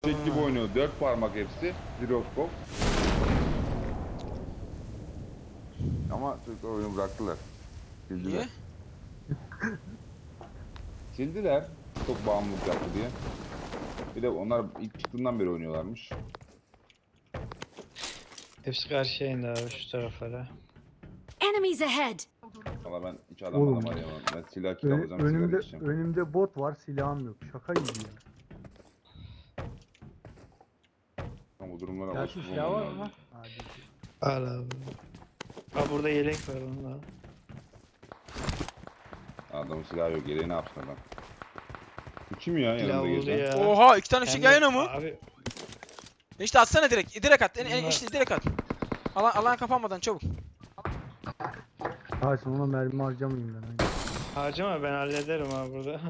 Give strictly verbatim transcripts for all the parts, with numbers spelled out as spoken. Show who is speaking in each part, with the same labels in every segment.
Speaker 1: eşek gibi oynuyor. Dört parmak hepsi. Jiroskop. Ama Türkler oyunu bıraktılar. Sildiler.
Speaker 2: Niye?
Speaker 1: Sildiler. Çok bağımlılık yaptı diye. Bir de onlar ilk çıktığından beri oynuyorlarmış.
Speaker 3: Hepsi karşıya indi abi şu taraflara.
Speaker 4: Enemies ahead!
Speaker 1: Valla ben hiç adam
Speaker 5: Oğlum.
Speaker 1: adam arayamam. Ben silah kill
Speaker 5: Ön-
Speaker 1: alacağım, sigara
Speaker 5: önümde
Speaker 1: içeceğim.
Speaker 5: önümde bot var, silahım yok. Şaka gibi ya.
Speaker 1: Ama bu durumlara
Speaker 5: Gerçi
Speaker 1: alışık
Speaker 5: silah var
Speaker 1: olmam
Speaker 5: ama.
Speaker 1: lazım.
Speaker 5: Hadi.
Speaker 3: Al abi. Ha burada yelek var onunla.
Speaker 1: Adamın silahı yok. Geriye ne yapsın adam? Bu kim ya yanında
Speaker 3: Pilav oldu
Speaker 1: gezen?
Speaker 3: ya.
Speaker 2: Oha iki tane
Speaker 3: Hem
Speaker 2: fişek
Speaker 3: de-
Speaker 2: yan yana mı?
Speaker 3: Abi
Speaker 2: İşte atsana direkt. Direkt at. En, en,
Speaker 3: Bunlar-
Speaker 2: işte direkt at. Alan, alan kapanmadan çabuk.
Speaker 5: Hayır ona mermi harcamayayım ben. Aynen.
Speaker 3: harcama ben hallederim abi burada.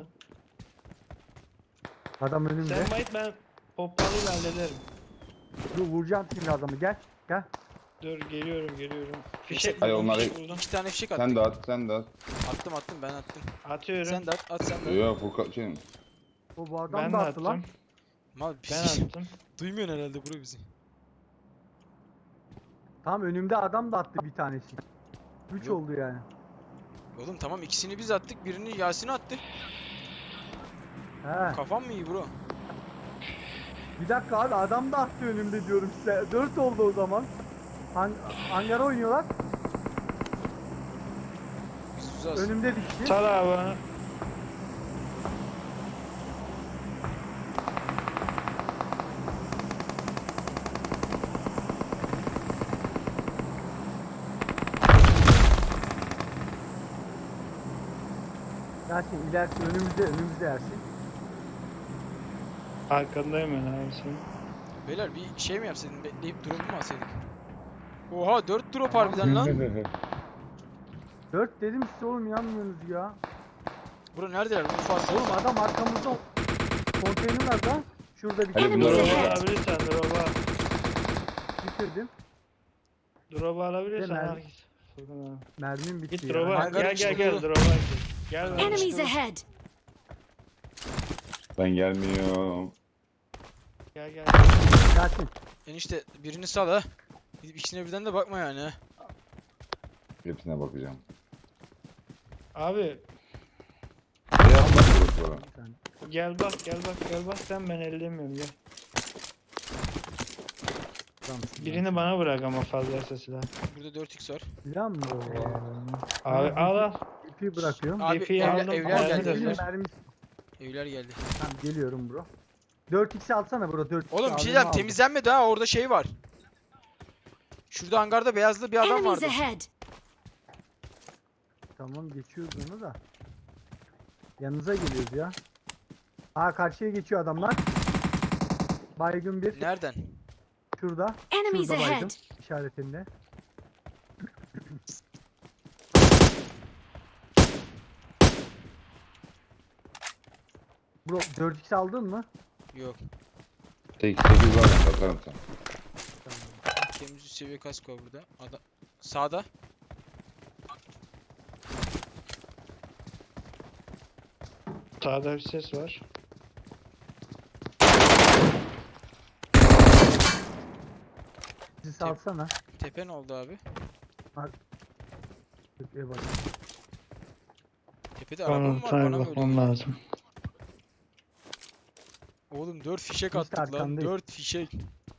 Speaker 5: Adam önümde.
Speaker 3: Sen bayit ben pompalıyla hallederim.
Speaker 5: Dur vuracağım şimdi adamı gel. Gel.
Speaker 3: Dur geliyorum geliyorum. Fişek
Speaker 1: Hayır,
Speaker 3: buldum,
Speaker 1: onları-
Speaker 3: fişek buldum.
Speaker 2: İki tane fişek
Speaker 1: Sen
Speaker 2: attık.
Speaker 1: de at, sen de at.
Speaker 2: Attım attım ben attım.
Speaker 3: Atıyorum.
Speaker 2: Sen de at at sen de at.
Speaker 1: Yok Furkan şey.
Speaker 5: O bu adam
Speaker 3: ben
Speaker 5: da
Speaker 3: de
Speaker 5: attı lan.
Speaker 3: attım.
Speaker 2: Mal bir
Speaker 3: Ben
Speaker 2: şey.
Speaker 3: attım.
Speaker 2: Duymuyorsun herhalde bro bizi.
Speaker 5: Tam önümde adam da attı bir tanesi. Üç
Speaker 2: Yok.
Speaker 5: oldu yani.
Speaker 2: Oğlum tamam ikisini biz attık. Birini Yasin attı.
Speaker 5: He.
Speaker 2: Kafam mı iyi bro?
Speaker 5: Bir dakika abi adam da attı önümde diyorum size. Dört oldu o zaman. Han hangara oynuyorlar.
Speaker 2: Biz uzağız.
Speaker 5: Önümde dikti.
Speaker 3: Sal abi bana.
Speaker 5: Yasin ilerisi önümüzde önümüzde Yasin.
Speaker 3: Arkandayım ben abi senin.
Speaker 2: Beyler bir şey mi yapsaydın? Bekleyip drop'u mu alsaydık? Oha dört drop harbiden lan.
Speaker 5: Dört dedim size oğlum yanmıyorsunuz ya.
Speaker 2: Bro neredeler? Ufak.
Speaker 5: Oğlum adam arkamızda konteynerlarda. Şurada bir
Speaker 1: Hadi
Speaker 5: tane
Speaker 1: bunları
Speaker 3: Drop'u
Speaker 4: ahead.
Speaker 3: alabilirsen drop'u.
Speaker 5: bitirdim.
Speaker 3: Drop'u alabilirsen
Speaker 5: Hemen.
Speaker 3: al git. Furkan abi.
Speaker 5: Mermim bitti
Speaker 3: Git
Speaker 5: ya.
Speaker 3: drop'a.
Speaker 2: Hangarın
Speaker 3: Gel
Speaker 2: içinde
Speaker 3: gel gel
Speaker 2: dolu.
Speaker 3: drop'a gel. Gel lan.
Speaker 4: Enemies ahead!
Speaker 1: Ben gelmiyorum.
Speaker 3: Gel gel.
Speaker 5: Yasin.
Speaker 2: Enişte birini sal ha. Gidip ikisine birden de bakma yani ha.
Speaker 1: Hepsine bakacağım.
Speaker 3: Abi
Speaker 1: Ne yapmadı bu sonra?
Speaker 5: Sen-
Speaker 3: gel bak gel bak gel bak sen ben ellemiyorum gel.
Speaker 5: Tamam.
Speaker 3: Birini bana bırak ama fazlaysa silah.
Speaker 2: Burada dört x var.
Speaker 5: Silah mı o?
Speaker 3: Abi al al.
Speaker 5: İpi bırakıyorum.
Speaker 2: Abi
Speaker 3: Defiyi
Speaker 2: evler,
Speaker 3: aldım,
Speaker 2: evler
Speaker 3: aldım
Speaker 2: geldi
Speaker 3: da
Speaker 2: evler.
Speaker 3: sen.
Speaker 5: Mermisi.
Speaker 2: Evler geldi.
Speaker 5: Tamam geliyorum bro. dört x alsana bro dört x.
Speaker 2: Oğlum bir şey diyeceğim temizlenmedi ha orada şey var. Şurada hangarda beyazlı bir adam
Speaker 4: Enemies
Speaker 2: vardı.
Speaker 4: ahead!
Speaker 5: Tamam geçiyoruz onu da. Yanınıza geliyoruz ya. Aa karşıya geçiyor adamlar. Baygın bir.
Speaker 2: Nereden?
Speaker 5: Şurada.
Speaker 4: Enemies
Speaker 5: Şurada baygın.
Speaker 4: ahead!
Speaker 5: İşaretinde. Bro dört x aldın mı?
Speaker 2: Yok.
Speaker 1: sekiz sekiz var ben bakarım sana.
Speaker 2: Temiz üst seviye kask var burada. Adam sağda.
Speaker 3: Sağda bir ses var.
Speaker 5: Bizi salsana.
Speaker 2: Tepe ne oldu abi?
Speaker 5: Tepeye bak.
Speaker 2: Tepede araba mı
Speaker 3: Bana
Speaker 2: var?
Speaker 3: tabi
Speaker 2: Bana mı öyle
Speaker 3: bakmam
Speaker 2: geliyor?
Speaker 3: lazım.
Speaker 2: Oğlum dört fişek
Speaker 5: Biz de
Speaker 2: attık lan.
Speaker 5: arkandayız.
Speaker 2: dört fişek.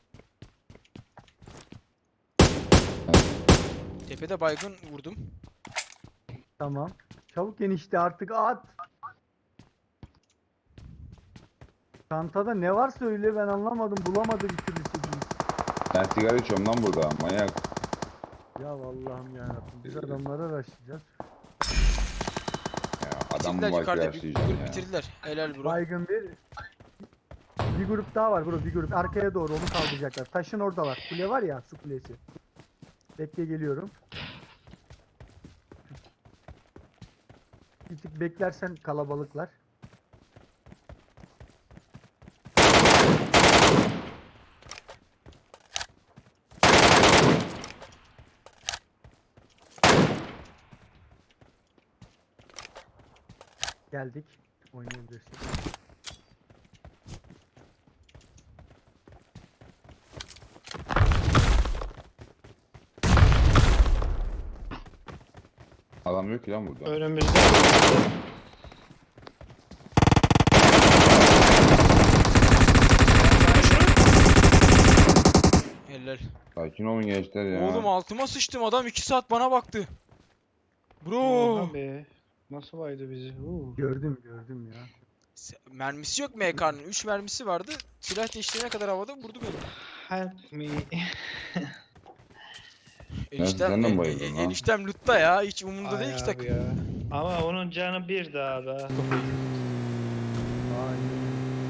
Speaker 2: Tepede baygın vurdum.
Speaker 5: Tamam. Çabuk enişte artık at. Çantada ne var söyle ben anlamadım bulamadı bir türlü sekiz.
Speaker 1: Ben sigara içiyorum lan burada manyak.
Speaker 5: Ya Allah'ım yarabbim biz adamlara başlayacağız.
Speaker 1: Ya adam mı
Speaker 2: Bitirdiler
Speaker 1: var ki
Speaker 2: yukarıda. Bir
Speaker 1: yaşlayacağım
Speaker 2: grup
Speaker 1: ya.
Speaker 2: bitirdiler. Helal bro.
Speaker 5: Baygın bir. Bir grup daha var bro bir grup arkaya doğru onu kaldıracaklar. Taşın oradalar. Kule var ya su kulesi. Bekle geliyorum. Bir tık beklersen kalabalıklar. Geldik. Oynayabilirsin.
Speaker 1: adam yok ki lan burada.
Speaker 3: Önümüzde.
Speaker 2: Helal.
Speaker 1: Sakin olun gençler ya.
Speaker 2: Oğlum altıma sıçtım, adam iki saat bana baktı. Bro.
Speaker 3: Oha be. Nasıl baydı bizi? Uuu.
Speaker 5: Gördüm gördüm ya.
Speaker 2: Se- Mermisi yok M K'nın. üç mermisi vardı. Silah değiştirene kadar havada vurdu beni.
Speaker 3: Help me.
Speaker 2: Eniştem,
Speaker 1: sen de mi
Speaker 2: e-
Speaker 1: bayıldın
Speaker 2: e-
Speaker 1: lan?
Speaker 2: eniştem lootta ya. Hiç umurunda
Speaker 3: Ay
Speaker 2: değil ki
Speaker 3: abi
Speaker 2: takım.
Speaker 3: ya. Ama onun canı bir daha da.
Speaker 5: Aynen.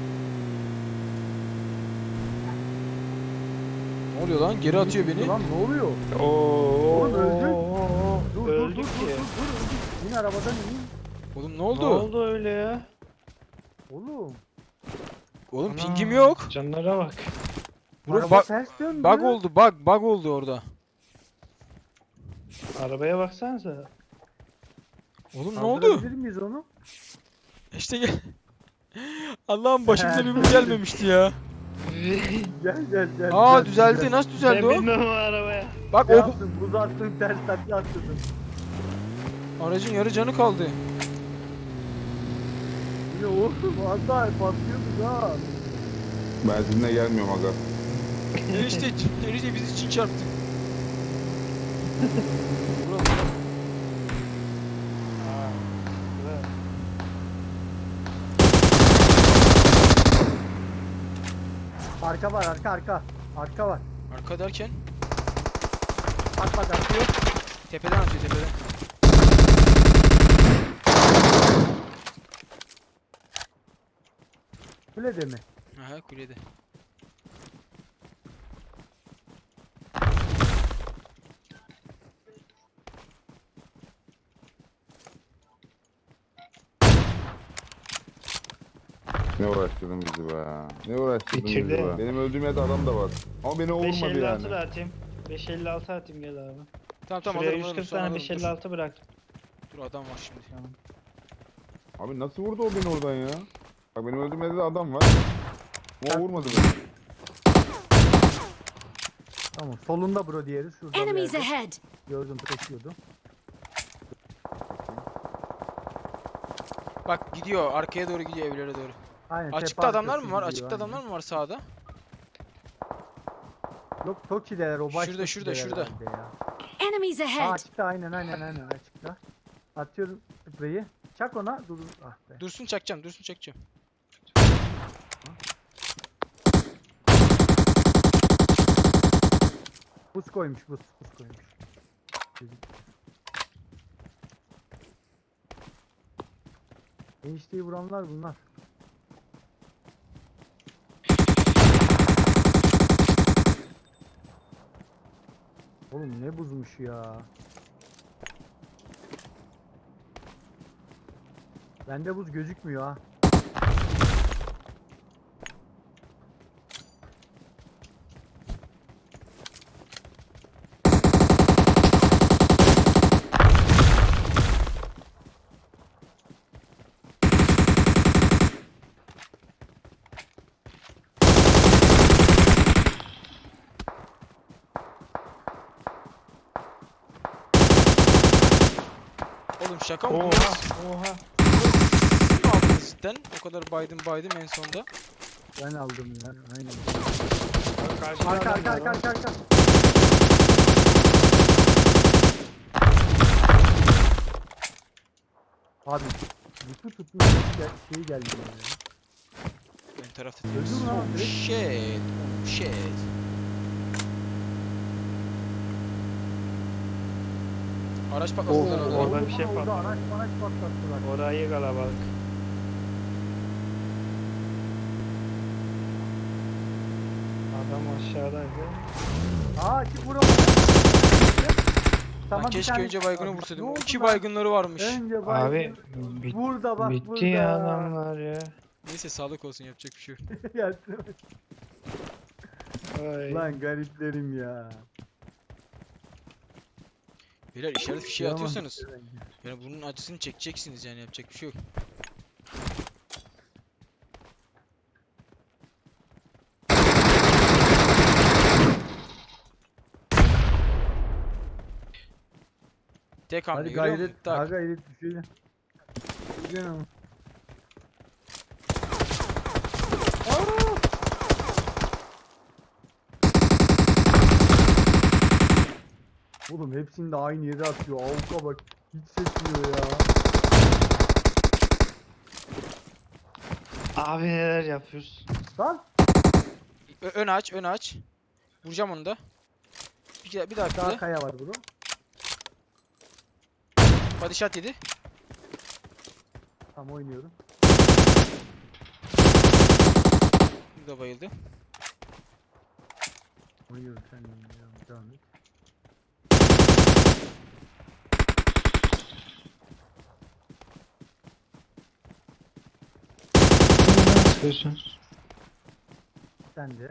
Speaker 2: Ne oluyor lan? Geri atıyor beni.
Speaker 5: Lan ne oluyor?
Speaker 3: Oo.
Speaker 5: Oğlum öldü. Dur dur dur
Speaker 3: Öldük
Speaker 5: dur dur
Speaker 3: ki.
Speaker 5: dur. İn arabadan in.
Speaker 2: Oğlum ne
Speaker 3: Ne
Speaker 2: oldu?
Speaker 3: oldu öyle ya?
Speaker 5: Oğlum.
Speaker 2: Oğlum
Speaker 3: Ana,
Speaker 2: pingim yok.
Speaker 3: Canlara bak.
Speaker 2: Bro
Speaker 5: Araba
Speaker 2: bak,
Speaker 5: ters döndü.
Speaker 2: bug oldu, bug, bug oldu orada.
Speaker 3: Arabaya baksanıza.
Speaker 2: Oğlum ne oldu?
Speaker 5: Kaldırabilir miyiz onu?
Speaker 2: İşte gel. Allah'ım başımıza bir bu gelmemişti ya.
Speaker 5: Gel gel gel.
Speaker 2: Aa
Speaker 5: gel,
Speaker 2: düzeldi.
Speaker 5: gel.
Speaker 2: Nasıl
Speaker 3: Ben
Speaker 2: düzeldi o?
Speaker 3: bilmem o arabaya.
Speaker 2: Bak
Speaker 5: Ne
Speaker 2: o
Speaker 5: yaptın? Buz attın, ters takla attırdın.
Speaker 2: aracın yarı canı kaldı.
Speaker 5: Yine oğlum az daha patlıyorduk ha.
Speaker 1: Ben sizinle gelmiyorum aga.
Speaker 2: Enişte, enişte biz için çarptı. Bro, bro.
Speaker 5: Arka var arka arka. Arka var.
Speaker 2: Arka derken
Speaker 5: Bak bak atıyor.
Speaker 2: tepeden atıyor tepeden.
Speaker 5: Kulede mi?
Speaker 2: Aha kulede.
Speaker 1: Ne uğraştırdın bizi be. Ne uğraştırdın bizi
Speaker 3: Bitirdi.
Speaker 1: be. Benim öldüğüm yerde adam da var. Ama beni o
Speaker 3: beş
Speaker 1: vurmadı
Speaker 3: elli altı
Speaker 1: yani.
Speaker 3: da atayım. beş elli altı atayım gel abi.
Speaker 2: Tamam tamam
Speaker 3: Şuraya
Speaker 2: alırım alırım
Speaker 3: yüz kırk
Speaker 2: sonra
Speaker 3: tane
Speaker 2: alırım.
Speaker 3: beş
Speaker 2: Dur.
Speaker 3: elli altı bıraktım.
Speaker 2: Dur adam var şimdi.
Speaker 3: Tamam.
Speaker 1: Abi nasıl vurdu o beni oradan ya? Bak benim öldüğüm yerde de adam var. O vurmadı beni.
Speaker 5: Tamam solunda bro diğeri şurada. bir
Speaker 4: Enemies
Speaker 5: yerde.
Speaker 4: ahead!
Speaker 5: Gördüm taşıyordu.
Speaker 2: Bak gidiyor arkaya doğru gidiyor evlere doğru.
Speaker 5: Aynen. tepe
Speaker 2: Açıkta adamlar
Speaker 5: arkası
Speaker 2: mı var?
Speaker 5: gidiyor,
Speaker 2: Açıkta
Speaker 5: aynen.
Speaker 2: adamlar mı var sağda?
Speaker 5: Yok Toki'deler o baş
Speaker 2: Şurada, şurada,
Speaker 5: Toki'deler
Speaker 2: şurada.
Speaker 5: herhalde ya.
Speaker 4: Enemies
Speaker 5: Aa,
Speaker 4: ahead!
Speaker 5: açıkta aynen aynen aynen açıkta. Atıyorum spreyi. Çak ona dur. Ah be.
Speaker 2: Dursun çakacağım, dursun çakacağım.
Speaker 5: Buz koymuş buz. Buz koymuş. Enişteyi vuranlar bunlar. Oğlum ne buzmuş ya. Bende buz gözükmüyor ha.
Speaker 2: Oğlum şaka mı? bu?
Speaker 3: Oha oha.
Speaker 2: Siz mi aldınız cidden? O kadar baydım baydım en sonda.
Speaker 5: Ben aldım ya. Aynen.
Speaker 3: Bak karşıda
Speaker 5: Arka
Speaker 3: adam
Speaker 5: arka
Speaker 3: var
Speaker 5: arka
Speaker 3: lan.
Speaker 5: arka arka. Abi yutu tutmuş gel- şey geldi bana ya.
Speaker 2: Ön tarafta
Speaker 5: Öldü
Speaker 2: temiz.
Speaker 5: mü lan
Speaker 2: Oh
Speaker 5: direkt?
Speaker 2: shit. Oh shit. Araç patladılar
Speaker 3: Oo,
Speaker 2: orada.
Speaker 3: orada bir şey
Speaker 5: Orada
Speaker 3: patladı.
Speaker 5: araç araç patlattılar.
Speaker 3: Orayı kalabalık. Adam aşağıdaydı.
Speaker 5: Aa ki vuramadı.
Speaker 2: Lan
Speaker 5: bir
Speaker 2: keşke
Speaker 5: tane-
Speaker 2: önce baygını
Speaker 5: Abi,
Speaker 2: vursaydım.
Speaker 5: ne oldu
Speaker 2: İki
Speaker 5: lan?
Speaker 2: baygınları varmış.
Speaker 5: Önce baygın.
Speaker 3: Abi bit-
Speaker 5: Burada bak
Speaker 3: bitti
Speaker 5: burada.
Speaker 3: ya adamlar ya.
Speaker 2: Neyse sağlık olsun yapacak bir şey yok.
Speaker 5: Gelsin.
Speaker 3: Ay.
Speaker 5: Lan gariplerim ya.
Speaker 2: Beyler işaret fişeği
Speaker 5: Yaman.
Speaker 2: atıyorsanız yani bunun acısını çekeceksiniz yani yapacak bir şey yok. Tek hamle
Speaker 5: Hadi
Speaker 2: görüyor musun?
Speaker 5: gayret.
Speaker 2: Tak.
Speaker 5: Ha gayret düşelim. Düşelim ama. Aa! Oğlum hepsini de aynı yere atıyor. Avuka bak. Hiç sekmiyor ya.
Speaker 3: Abi neler yapıyoruz?
Speaker 5: Lan.
Speaker 2: Ö- ön aç, ön aç. Vuracağım onu da. Bir, bir daha
Speaker 5: Daha
Speaker 2: bir
Speaker 5: kaya var bro.
Speaker 2: Body shot yedi.
Speaker 5: Tam oynuyorum.
Speaker 2: Bu da bayıldı.
Speaker 5: Oynuyorum sen de oynuyorum. Devam et.
Speaker 3: Nereden sıkıyorsun?
Speaker 5: Sen de.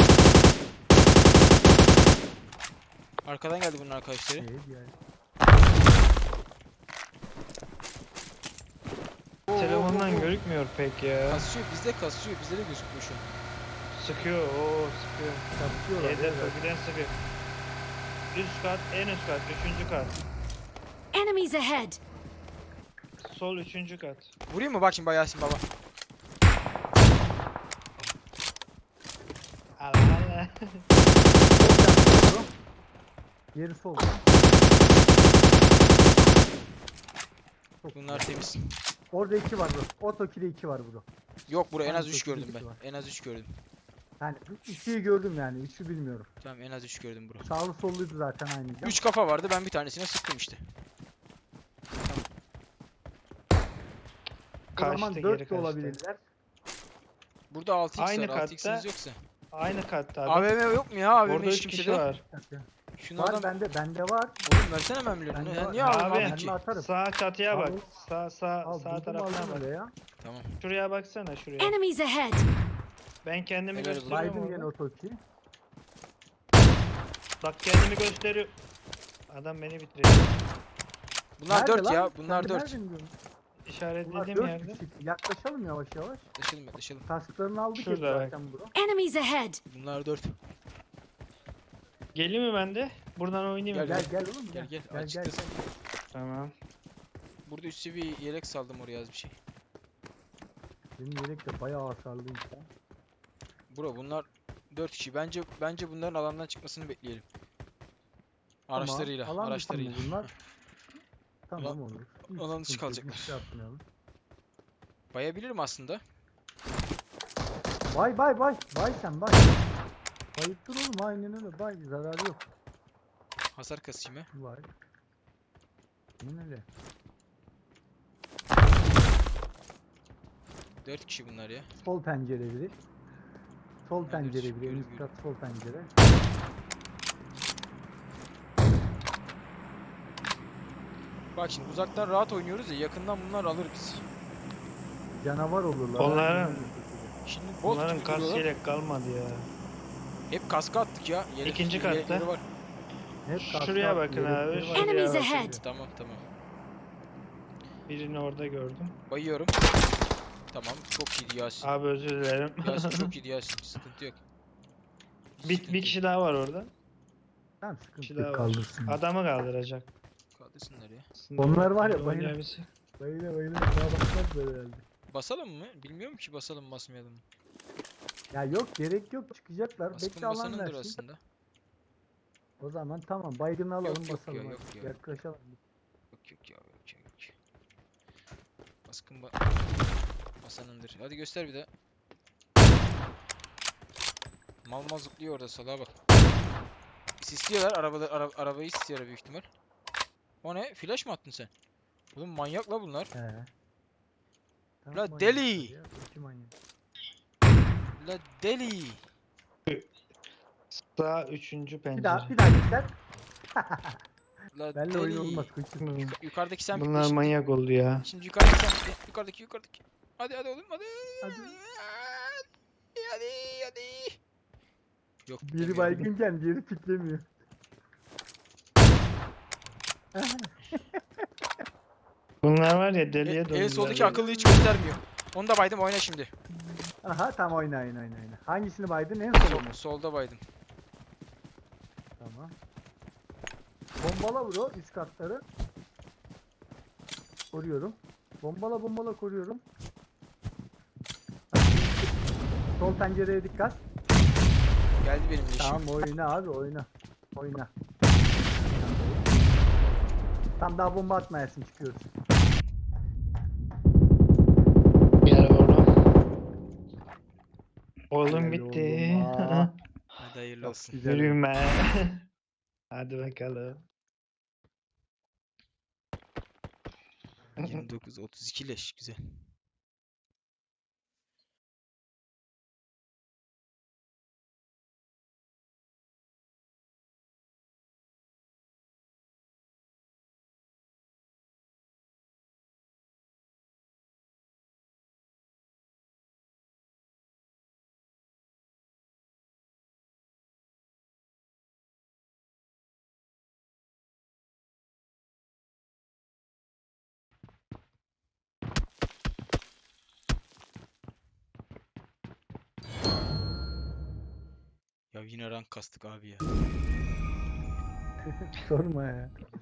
Speaker 2: Arkadan geldi bunun arkadaşları.
Speaker 5: Şey diğer.
Speaker 3: Telefondan görükmüyor pek ya.
Speaker 2: Kasıyor, bizde kasıyor. Bizde de gözükmüyor şu an.
Speaker 3: Sıkıyor, oo sıkıyor.
Speaker 5: Kapışıyorlar.
Speaker 3: Hedef
Speaker 5: evet.
Speaker 3: öbürden sıkıyor. Üst kat, en üst kat, üçüncü kat.
Speaker 4: Enemies ahead!
Speaker 3: Sol üçüncü kat.
Speaker 2: Vurayım mı? Bak şimdi bak Yasin baba.
Speaker 3: Allah Allah.
Speaker 5: Sol bro. Yeri sol. Çok
Speaker 2: Bunlar
Speaker 5: güzel.
Speaker 2: temiz.
Speaker 5: Orada iki var bro. Otoki'de iki var bro.
Speaker 2: Yok bura en az
Speaker 5: Tamam,
Speaker 2: üç
Speaker 5: çok
Speaker 2: gördüm
Speaker 5: ilgisi var.
Speaker 2: ben. En az üç gördüm.
Speaker 5: Yani ikiyi gördüm yani. Üçü bilmiyorum.
Speaker 2: Tamam en az üç gördüm bura.
Speaker 5: Sağlı solluydu zaten aynı. cam.
Speaker 2: üç kafa vardı ben bir tanesine sıktım işte.
Speaker 5: O zaman
Speaker 3: Kaçtı, geri
Speaker 5: dört de
Speaker 3: kaçtı.
Speaker 5: olabilirler.
Speaker 2: Burada altı x
Speaker 3: Aynı
Speaker 2: var. altı x'iniz
Speaker 3: katta.
Speaker 2: yoksa.
Speaker 3: Aynı katta abi.
Speaker 2: A V M yok mu ya? A V M
Speaker 3: Orada
Speaker 2: hiç
Speaker 3: üç kişi
Speaker 2: kimsede.
Speaker 3: var.
Speaker 2: Şunlardan
Speaker 5: Var bende. Bende var.
Speaker 2: oğlum versene ben biliyorum.
Speaker 5: Bende
Speaker 2: Sen
Speaker 5: var.
Speaker 2: niye aldın
Speaker 3: Abi,
Speaker 2: aldın
Speaker 5: Ben
Speaker 2: ki?
Speaker 5: de atarım.
Speaker 3: Sağ çatıya bak.
Speaker 5: Al.
Speaker 3: Sağ sağ
Speaker 5: Al
Speaker 3: sağ
Speaker 5: buldum
Speaker 3: tarafına
Speaker 5: aldım
Speaker 3: bak.
Speaker 5: öyle ya.
Speaker 2: Tamam.
Speaker 3: Şuraya baksana şuraya.
Speaker 4: Enemies ahead!
Speaker 3: Ben kendimi
Speaker 2: Helal olsun.
Speaker 3: gösteriyorum
Speaker 5: Baydım gene
Speaker 3: orada.
Speaker 5: otoki.
Speaker 3: Bak kendimi gösteriyor. Adam beni bitiriyor.
Speaker 2: Bunlar
Speaker 5: Nerede
Speaker 2: dört
Speaker 5: lan?
Speaker 2: ya. Bunlar
Speaker 5: Sen
Speaker 2: dört.
Speaker 5: nereden diyorsun? Bunlar
Speaker 3: İşaretlediğim
Speaker 5: dört
Speaker 3: yerde.
Speaker 5: kişi. Yaklaşalım yavaş yavaş.
Speaker 2: Yaklaşalım yaklaşalım.
Speaker 5: Kasklarını aldık
Speaker 3: Şurada
Speaker 5: hep
Speaker 3: bak.
Speaker 5: zaten bro.
Speaker 4: Enemies ahead!
Speaker 2: Bunlar dört.
Speaker 3: Geleyim mi ben de? Buradan oynayayım mı?
Speaker 2: Gel,
Speaker 5: Gel gel oğlum
Speaker 2: Gel
Speaker 5: gel.
Speaker 2: gel.
Speaker 5: Gel gel.
Speaker 2: Açıktasın.
Speaker 3: Tamam.
Speaker 2: Burada üst seviye yelek saldım oraya az bir şey.
Speaker 5: Benim yelek de bayağı hasarlıymış ya.
Speaker 2: Bro bunlar dört kişi. Bence bence bunların alandan çıkmasını bekleyelim. Araçlarıyla,
Speaker 5: Tamam, alan dışı mı
Speaker 2: araçlarıyla.
Speaker 5: bunlar? Tamam
Speaker 2: Alan-
Speaker 5: olur. Hiç
Speaker 2: alan dışı
Speaker 5: sıkıntı yok,
Speaker 2: kalacaklar.
Speaker 5: hiç şey yapmayalım.
Speaker 2: Bayabilirim aslında.
Speaker 5: Bay bay bay. Bay sen bay. Bayıttır oğlum aynen öyle. Bay zararı yok.
Speaker 2: Hasar kasayım ha.
Speaker 5: Bay. Aynen öyle.
Speaker 2: dört kişi bunlar ya.
Speaker 5: Sol pencere biri. Sol
Speaker 2: Evet,
Speaker 5: pencere biri.
Speaker 2: görüyorum,
Speaker 5: En üst kat sol pencere.
Speaker 2: Bak şimdi uzaktan rahat oynuyoruz ya yakından bunlar alır bizi.
Speaker 5: Canavar olurlar.
Speaker 3: Onların-
Speaker 5: aynen öyle.
Speaker 2: Şimdi bot
Speaker 3: Bunların
Speaker 2: gibi
Speaker 3: kas
Speaker 2: duruyorlar.
Speaker 3: yelek kalmadı ya.
Speaker 2: Hep kaska attık ya. Yelek,
Speaker 3: İkinci
Speaker 2: yelekleri
Speaker 3: katta.
Speaker 2: var.
Speaker 5: Hep
Speaker 3: Şuraya
Speaker 5: kaskı
Speaker 3: bakın
Speaker 5: atıyor,
Speaker 3: abi,
Speaker 5: yelekleri var.
Speaker 3: şuraya
Speaker 4: Enemies
Speaker 3: bakın.
Speaker 4: ahead!
Speaker 2: Tamam tamam.
Speaker 3: Birini orada gördüm.
Speaker 2: Bayıyorum. Tamam çok iyiydi Yasin.
Speaker 3: Abi özür dilerim.
Speaker 2: Yasin çok iyiydi Yasin. Sıkıntı yok.
Speaker 3: bir,
Speaker 2: Sıkıntı
Speaker 3: bir
Speaker 2: yok.
Speaker 3: kişi daha var orada.
Speaker 5: Tamam
Speaker 3: Bir
Speaker 5: sıkıntı
Speaker 3: kişi
Speaker 5: yok
Speaker 3: daha var.
Speaker 5: kaldırsın.
Speaker 3: Adamı kaldıracak.
Speaker 2: Kaldırsınlar ya.
Speaker 3: Aslında
Speaker 5: Onlar var ya,
Speaker 3: orada
Speaker 5: bayılır.
Speaker 3: oynayabilsek.
Speaker 5: Bayıla bayıla daha bakmaz böyle herhalde.
Speaker 2: Basalım mı? Bilmiyorum ki basalım mı basmayalım mı?
Speaker 5: Ya yok gerek yok çıkacaklar.
Speaker 2: Baskın
Speaker 5: Bekle alan
Speaker 2: basanındır
Speaker 5: versin.
Speaker 2: aslında.
Speaker 5: O zaman tamam baygını alalım
Speaker 2: Yok, yok
Speaker 5: basalım.
Speaker 2: ya,
Speaker 5: hadi.
Speaker 2: yok ya.
Speaker 5: Yaklaşalım.
Speaker 2: Yok yok ya yok ya yok. Baskın ba basanındır. Hadi göster bir de. Mal mal zıplıyor orada salağa bak. Sisliyorlar arabada ara, arabayı sisliyorlar büyük ihtimal. O ne? Flash mı attın sen? Oğlum manyak la bunlar.
Speaker 5: He. Tamam,
Speaker 2: La
Speaker 5: manyaklar
Speaker 2: deli!
Speaker 5: ya, iki manyak.
Speaker 2: La deli.
Speaker 3: Sağ üçüncü pencere.
Speaker 5: Bir daha bir daha göster.
Speaker 2: La
Speaker 5: Benle
Speaker 2: deli.
Speaker 5: oyun olmaz koçum.
Speaker 3: Hmm,
Speaker 2: Yukarıdaki sen
Speaker 3: Bunlar
Speaker 2: şimdi,
Speaker 3: manyak oldu ya.
Speaker 2: şimdi yukarıdaki sen yukarıdaki yukarıdaki. Hadi hadi oğlum hadi.
Speaker 5: Hadi.
Speaker 2: Hadi hadi. Yok.
Speaker 5: Biri
Speaker 2: demiyorum.
Speaker 5: baygınken diğeri piklemiyor.
Speaker 3: Bunlar var ya
Speaker 2: E,
Speaker 3: deliye döndüler.
Speaker 2: en soldaki
Speaker 3: ya.
Speaker 2: akıllı hiç göstermiyor. Onu da baydım oyna şimdi.
Speaker 5: Aha tamam oyna oyna oyna. oyna. Hangisini baydın en son mu?
Speaker 2: Sol, solda baydım.
Speaker 5: Tamam. Bombala bro üst katları. Koruyorum. Bombala bombala koruyorum. Sol pencereye dikkat.
Speaker 2: Geldi benim leşim.
Speaker 5: Tamam oyna abi oyna. Oyna. Tam daha bomba atmayasın çıkıyoruz.
Speaker 3: Bir araba orada. Oğlum
Speaker 5: Helal
Speaker 3: bitti.
Speaker 5: oğlum, aa.
Speaker 2: Hadi hayırlı
Speaker 5: Çok
Speaker 2: olsun.
Speaker 5: güzel.
Speaker 3: Yürüme. Hadi bakalım.
Speaker 2: yirmi dokuz otuz iki leş güzel. Ya yine rank kastık abi ya.
Speaker 5: Sorma ya.